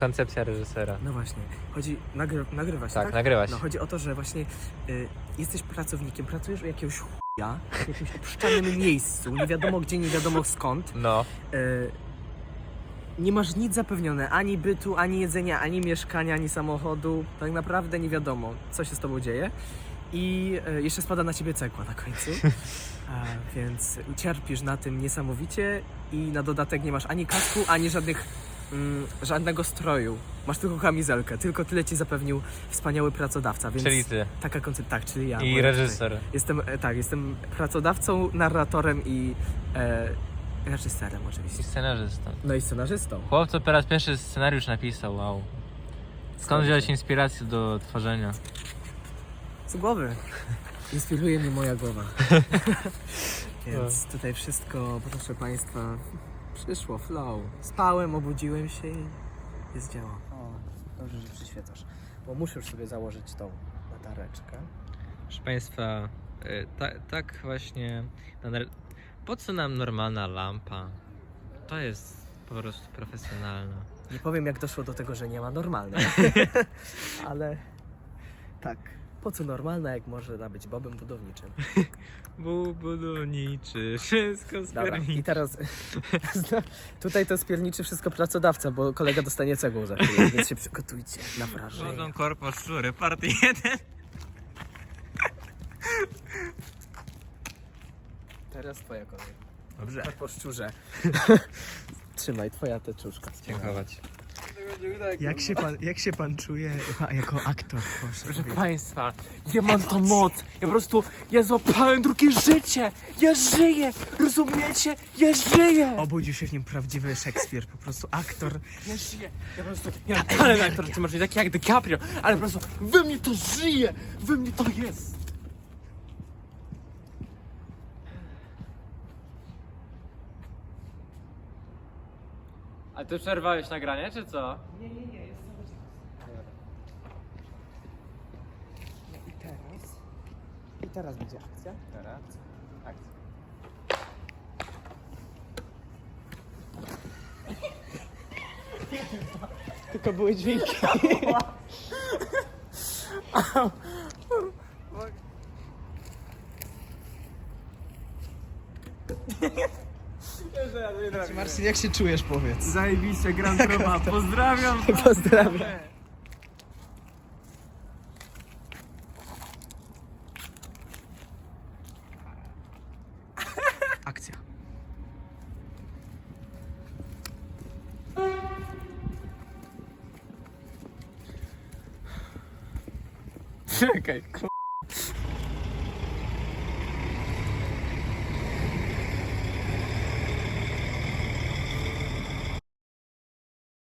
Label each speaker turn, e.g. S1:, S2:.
S1: Koncepcja reżysera.
S2: No właśnie, chodzi, nagrywasz,
S1: Tak,
S2: tak?
S1: nagrywa się.
S2: No chodzi o to, że właśnie jesteś pracownikiem, pracujesz u jakiegoś chuja w jakimś obszczanym miejscu, nie wiadomo gdzie, nie wiadomo skąd.
S1: No.
S2: Nie masz nic zapewnione, ani bytu, ani jedzenia, ani mieszkania, ani samochodu. Tak naprawdę nie wiadomo, co się z tobą dzieje. I jeszcze spada na ciebie cegła na końcu. Więc ucierpisz na tym niesamowicie i na dodatek nie masz ani kasku, ani żadnego stroju. Masz tylko kamizelkę. Tylko tyle ci zapewnił wspaniały pracodawca. Więc
S1: Czyli ty.
S2: taka koncepcja, tak, czyli ja.
S1: I reżyser.
S2: Jestem pracodawcą, narratorem i reżyserem oczywiście.
S1: I scenarzystą.
S2: No i scenarzystą.
S1: Chłop, co po raz pierwszy scenariusz napisał, wow. Skąd wziąłeś inspirację do tworzenia?
S2: Z głowy. Inspiruje mnie moja głowa. Więc tutaj wszystko, proszę Państwa, przyszło, flow. Spałem, obudziłem się i jest dzieło. O, dobrze, że przyświecasz. Bo muszę już sobie założyć tą latareczkę.
S1: Proszę Państwa, tak właśnie... Po co nam normalna lampa? To jest po prostu profesjonalna.
S2: Nie powiem, jak doszło do tego, że nie ma normalnej. Ale tak, po co normalna, jak może być bobem budowniczym?
S1: Budowniczy, wszystko
S2: Dobra, i
S1: spierniczy.
S2: teraz tutaj to spierniczy wszystko pracodawca, bo kolega dostanie cegłą za chwilę, więc się przygotujcie na wrażenie.
S1: Wodą korpo szczury, party 1.
S2: Teraz twoja kolej.
S1: Dobrze.
S2: Tak po szczurze. Trzymaj, twoja teczuszka.
S1: Dziękować.
S2: Jak się pan czuje jako aktor?
S1: Proszę Państwa, ja mam tą moc. Ja po prostu, ja złapałem drugie życie. Ja żyję, rozumiecie? Ja żyję.
S2: Obudził się w nim prawdziwy Szekspir, po prostu aktor.
S1: Ja żyję. Ja po prostu, ja talent aktor, ty masz taki jak DiCaprio, ale po prostu we mnie to żyje. We mnie to jest. A ty przerwałeś nagranie, czy co?
S2: Nie, jest cały czas. I teraz będzie akcja.
S1: Teraz. Akcja.
S2: Tylko były dźwięki. Marcin, jak się czujesz, powiedz?
S1: Zajebiście, Gran Proba, pozdrawiam.
S2: Pozdrawiam. Akcja.
S1: Czekaj,